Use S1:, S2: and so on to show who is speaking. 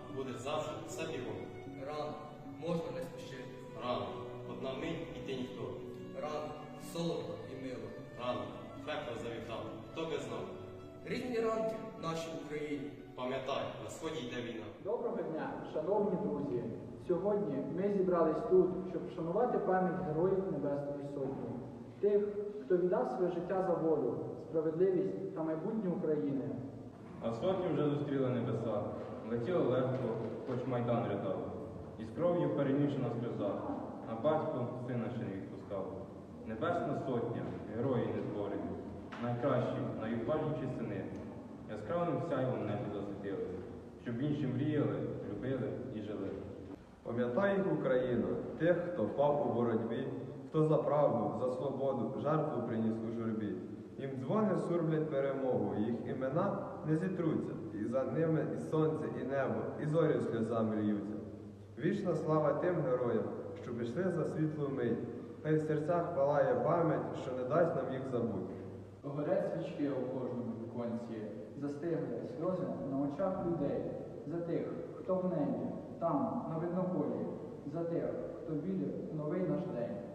S1: буде завжди все бігом.
S2: Рано, можна не спішити.
S1: Рано, одна мить і ти ніхто.
S2: Рано, солодко і мило.
S1: Рано, пекло завітав, хто би знав.
S2: Різні ранки в нашій Україні.
S1: Пам'ятай, на сході йде війна.
S3: Доброго дня, шановні друзі! Сьогодні ми зібрались тут, щоб вшанувати пам'ять героїв Небесної Сотні, тих, хто віддав своє життя за волю, справедливість та майбутнє України.
S4: А сотні вже зустріли небеса, летіли легко, хоч майдан рядав, і з кров'ю перемішана сльоза, а батько сина ще не відпускав. Небесна Сотня, герої незборені, найкращі, найважніші сини, яскравим сяйвом небі засвітили, щоб інші мріяли, любили і жили.
S5: Пам'ятай їх, Україна, тих, хто впав у боротьбі, хто за правду, за свободу, жертву приніс у журбі. Їм дзвони сурблять перемогу, їх імена не зітруться, і за ними і сонце, і небо, і зорі сльозами льються. Вічна слава тим героям, що пішли за світлу мить, хай в серцях палає пам'ять, що не дасть нам їх забути.
S3: Горять свічки у кожному віконці, застигли сльози на очах людей, за тих, хто в небі, там, на виднополі, за тих, хто вірив в новий наш день.